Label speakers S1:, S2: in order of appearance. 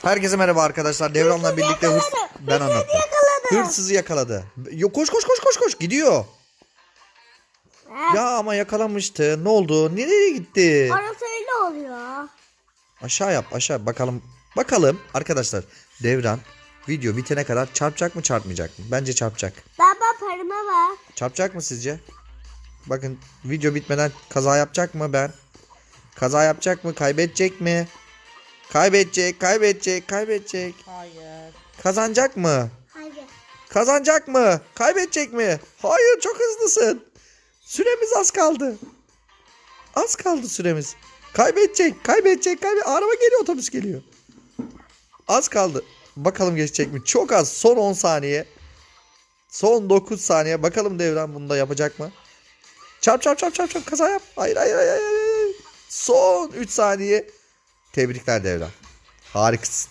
S1: Herkese merhaba arkadaşlar. Devran'la birlikte ben anlattım. Hırsızı yakaladı. Koş koş koş koş koş gidiyor. Ya ama yakalamıştı. Ne oldu? Nereye gitti?
S2: Orası öyle oluyor.
S1: Aşağı yap aşağı bakalım. Bakalım arkadaşlar. Devran video bitene kadar çarpacak mı çarpmayacak mı? Bence çarpacak.
S2: Baba parıma bak.
S1: Çarpacak mı sizce? Bakın video bitmeden kaza yapacak mı ben? Kaza yapacak mı? Kaybedecek mi? Kaybedecek, kaybedecek, kaybedecek.
S3: Hayır.
S1: Kazanacak mı?
S2: Hayır.
S1: Kazanacak mı? Kaybedecek mi? Hayır, çok hızlısın. Süremiz az kaldı. Az kaldı süremiz. Kaybedecek, kaybedecek, kaybedecek. Araba geliyor, otobüs geliyor. Az kaldı. Bakalım geçecek mi? Çok az. Son 10 saniye. Son 9 saniye. Bakalım Devran bunu da yapacak mı? Çarp çarp çarp çarp çarp. Kaza yap. Hayır hayır hayır. Hayır. Son 3 saniye. Tebrikler Devran. Harikasın.